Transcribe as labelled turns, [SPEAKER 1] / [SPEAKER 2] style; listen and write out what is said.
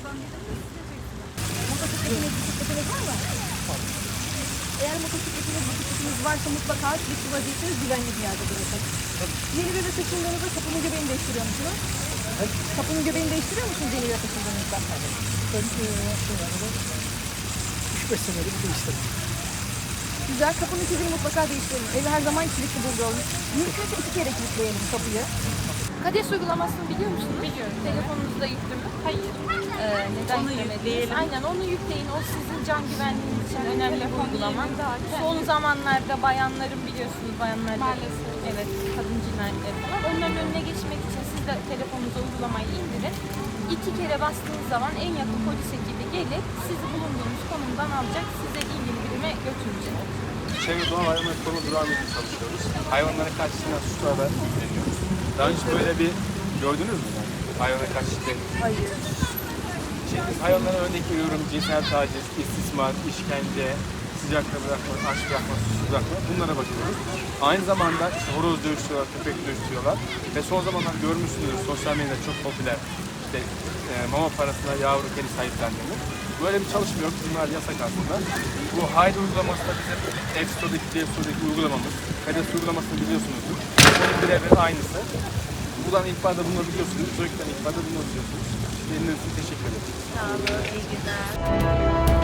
[SPEAKER 1] Motosikletiniz, bisikletiniz var mı? Eğer motosikletiniz, bisikletiniz varsa mutlaka kilitli vaziyetsiniz, güvenli bir yerde bırakın. Yeni bir eve taşındığınızda kapının göbeğini değiştiriyor musunuz? Kapının göbeğini değiştiriyor musunuz yeni bir eve taşındığınızda?
[SPEAKER 2] Ben 3-5 senedir değiştirdim.
[SPEAKER 1] Güzel, kapının kilidini mutlaka değiştirelim. Evi her zaman kilitli bulduğum. Mümkünse 2 kere kilitleyelim kapıyı. KADES uygulamasını biliyor musunuz?
[SPEAKER 3] Biliyorum.
[SPEAKER 1] Telefonunuzda yüklü mü?
[SPEAKER 3] Hayır.
[SPEAKER 1] Neden
[SPEAKER 3] Onu
[SPEAKER 1] yüklemediniz?
[SPEAKER 3] yükleyelim.
[SPEAKER 1] Aynen, onu yükleyin. O sizin can güvenliğiniz için önemli bir uygulama.
[SPEAKER 3] Son
[SPEAKER 1] Son zamanlarda bayanların biliyorsunuz bayanlarda
[SPEAKER 3] Maalesef.
[SPEAKER 1] evet kadın cinayetleri falan. Onların önüne geçmek için siz de telefonunuza uygulamayı indirin. 2 kere bastığınız zaman en yakın polis ekibi gelip sizi bulunduğunuz konumdan alacak, size ilgili birime götürecek.
[SPEAKER 4] Çevre Doğa Hayvanları Koruma Durağı'nda çalışıyoruz. Hayvanlara karşı şiddet suçlarla ilgileniyoruz. Daha önce böyle bir gördünüz mü? Yani? Hayvanlara karşı şiddet.
[SPEAKER 1] Hayır.
[SPEAKER 4] Biz hayvanlara örnek veriyorum. Cinsel taciz, istismar, işkence, sıcakta bırakma, aç bırakma, susuz bırakma. Bunlara bakıyoruz. Aynı zamanda işte horoz dövüştürüyorlar, köpek dövüştürüyorlar. Ve son zamanlarda görmüşsünüz sosyal medyada çok popüler. İşte mama parasına yavru kedi sahiplendiğini. Böyle bir çalışma yok. Bunlar yasak aslında. Bu Haydi uygulaması da bizim App Store'daki, Play Store'daki uygulamamız. KADES uygulamasını biliyorsunuzdur. Onun birebir aynısı. Buradan ihbarda bulunabiliyorsunuz. Çocuktan ihbarda bulunabiliyorsunuz. Dinlediğiniz için teşekkür ederim.
[SPEAKER 1] Sağ olun, iyi günler.